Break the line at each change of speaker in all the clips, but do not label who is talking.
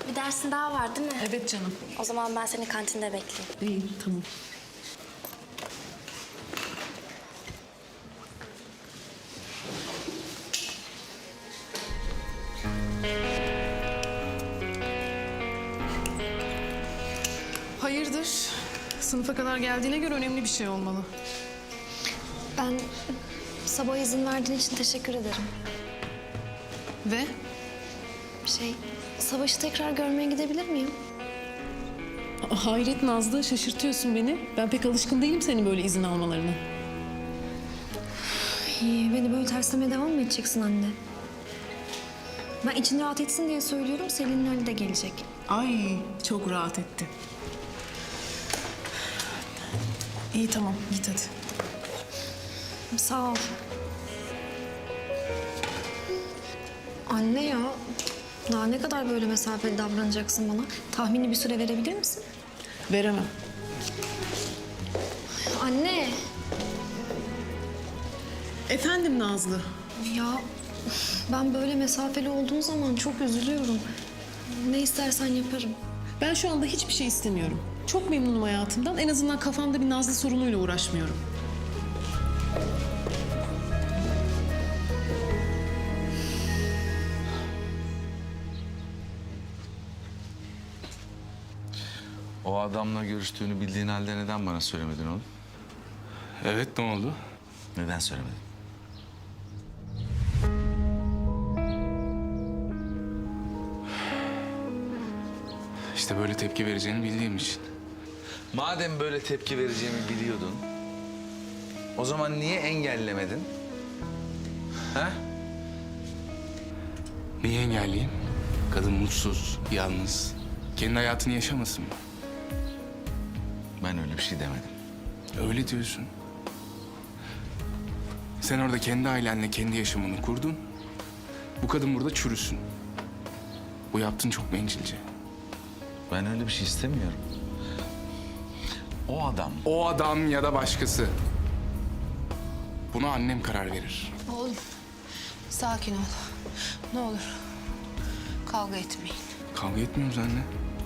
Bir dersin daha var değil mi?
Evet canım.
O zaman ben seni kantinde bekleyeyim.
İyi, tamam. Hayırdır? Sınıfa kadar geldiğine göre önemli bir şey olmalı.
Ben sabah izin verdiğin için teşekkür ederim.
Ve?
Savaş'ı tekrar görmeye gidebilir miyim?
Hayret Nazlı, şaşırtıyorsun beni. Ben pek alışkın değilim senin böyle izin almalarına.
İyi, beni böyle terslemeye devam mı edeceksin anne? Ben için rahat etsin diye söylüyorum, Selin'in Ali de gelecek.
Ay, çok rahat etti. İyi tamam, git hadi.
Sağ ol. Anne ya, daha ne kadar böyle mesafeli davranacaksın bana? Tahmini bir süre verebilir misin?
Veremem.
Anne!
Efendim Nazlı?
Ya ben böyle mesafeli olduğum zaman çok üzülüyorum. Ne istersen yaparım.
Ben şu anda hiçbir şey istemiyorum. Çok memnunum hayatımdan. En azından kafamda bir Nazlı sorunuyla uğraşmıyorum.
O adamla görüştüğünü bildiğin halde neden bana söylemedin oğlum?
Evet, ne oldu?
Neden söylemedin?
İşte böyle tepki vereceğini bildiğim için.
Madem böyle tepki vereceğimi biliyordun, o zaman niye engellemedin? Ha?
Niye engelleyeyim? Kadın mutsuz, yalnız. Kendi hayatını yaşamasın mı?
Ben öyle bir şey demedim.
Öyle diyorsun. Sen orada kendi ailenle kendi yaşamını kurdun. Bu kadın burada çürüsün. Bu yaptığın çok bencilce.
Ben öyle bir şey istemiyorum. O adam...
O adam ya da başkası. Buna annem karar verir.
Oğlum, sakin ol. Ne olur, kavga etmeyin.
Kavga etmiyoruz anne.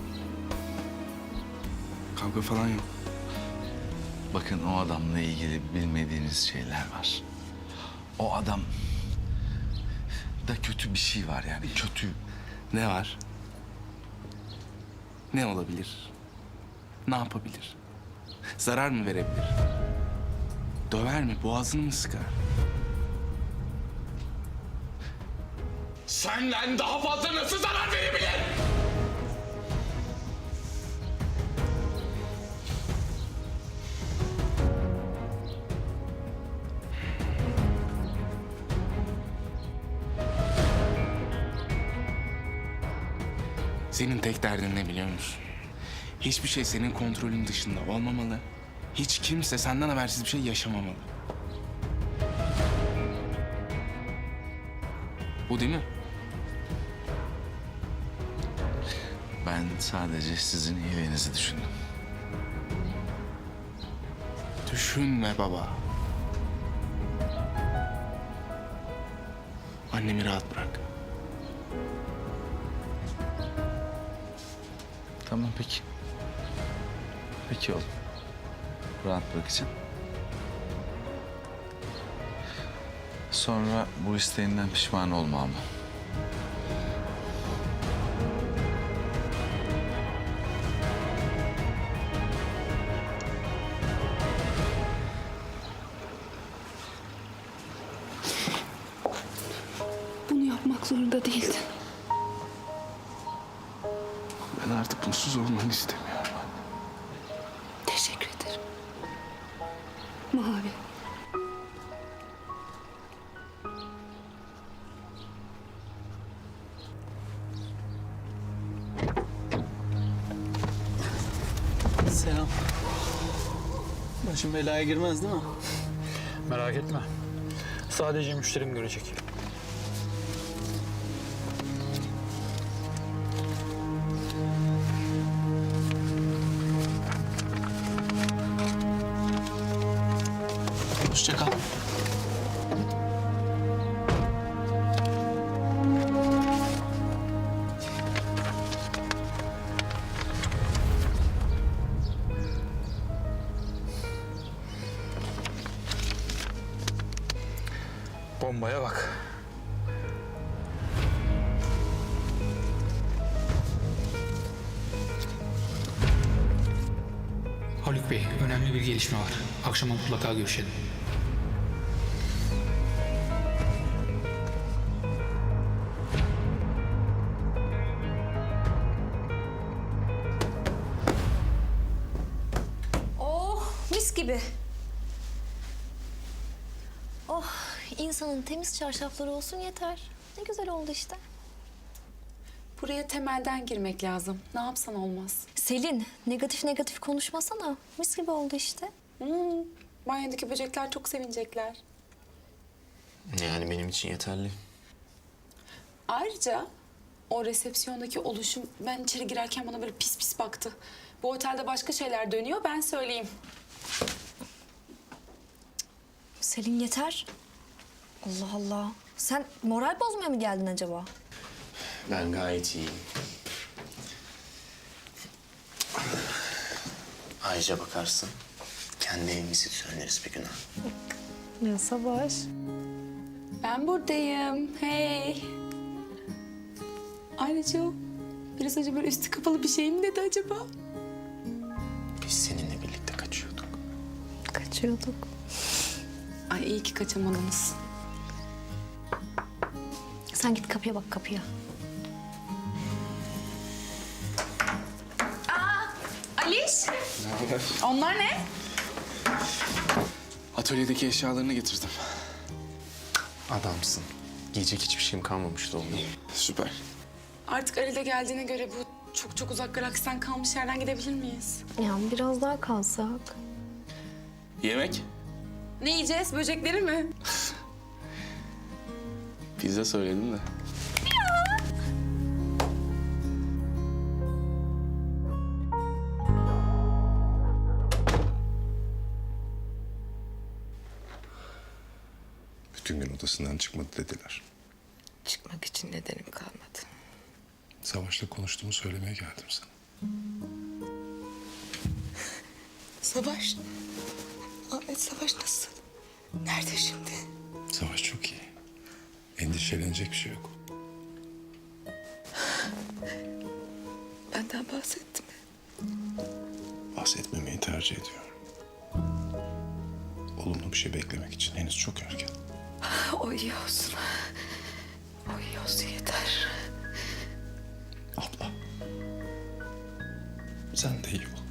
Kavga falan yok.
Bakın o adamla ilgili bilmediğiniz şeyler var. O adam da kötü bir şey var yani kötü.
Ne var? Ne olabilir? Ne yapabilir? Zarar mı verebilir? Döver mi? Boğazını mı sıkar? Senden daha fazla nasıl zarar verebilir? Senin tek derdin ne biliyor musun? Hiçbir şey senin kontrolün dışında olmamalı. Hiç kimse senden habersiz bir şey yaşamamalı. Bu değil mi?
Ben sadece sizin iyiliğinizi düşündüm.
Düşünme baba. Annemi rahat bırak.
Tamam peki. Peki oğlum. Rahat bırakacağım. Sonra bu isteğinden pişman olma ama.
Bunu yapmak zorunda değildin.
Ben artık mutsuz olmanı istemiyorum.
Teşekkür ederim. Mavi.
Selam. Başım belaya girmez değil mi?
Merak etme. Sadece müşterim görecek.
Hoşça kal.
Faruk Bey, önemli bir gelişme var. Akşama mutlaka görüşelim.
Oh, mis gibi. Oh, insanın temiz çarşafları olsun yeter. Ne güzel oldu işte.
Buraya temelden girmek lazım. Ne yapsan olmaz.
Selin, negatif negatif konuşmasana. Mis gibi oldu işte.
Banyodaki böcekler çok sevinecekler.
Yani benim için yeterli.
Ayrıca o resepsiyondaki oluşum ben içeri girerken bana böyle pis pis baktı. Bu otelde başka şeyler dönüyor, ben söyleyeyim.
Selin yeter. Allah Allah. Sen moral bozmaya mı geldin acaba?
Ben gayet iyiyim. Ayrıca bakarsın, kendi evimizi düzenleriz bir gün ha.
Ya Savaş.
Ben buradayım. Hey. Ayrıca o biraz önce böyle üstü kapalı bir şey mi dedi acaba?
Biz seninle birlikte kaçıyorduk.
Kaçıyorduk.
Ay iyi ki kaçamadınız.
Sen git kapıya bak kapıya.
Aliş. Onlar ne?
Atölyedeki eşyalarını getirdim.
Adamsın. Giyecek hiçbir şeyim kalmamıştı oğlum.
Süper.
Artık Ali de geldiğine göre bu çok çok uzak galaksten kalmış yerden gidebilir miyiz?
Ya biraz daha kalsak.
Yemek?
Ne yiyeceğiz? Böcekleri mi?
Pizza söyledim de.
Bütün gün odasından çıkmadı dediler.
Çıkmak için nedenim kalmadı.
Savaş'la konuştuğumu söylemeye geldim sana.
Savaş. Ahmet Savaş nasıl? Nerede şimdi?
Savaş çok iyi. Endişelenecek bir şey yok.
Benden bahsetti mi?
Bahsetmemeyi tercih ediyorum. Olumlu bir şey beklemek için henüz çok erken.
O iyi olsun. O iyi olsun yeter.
Abla. Sen de iyi ol.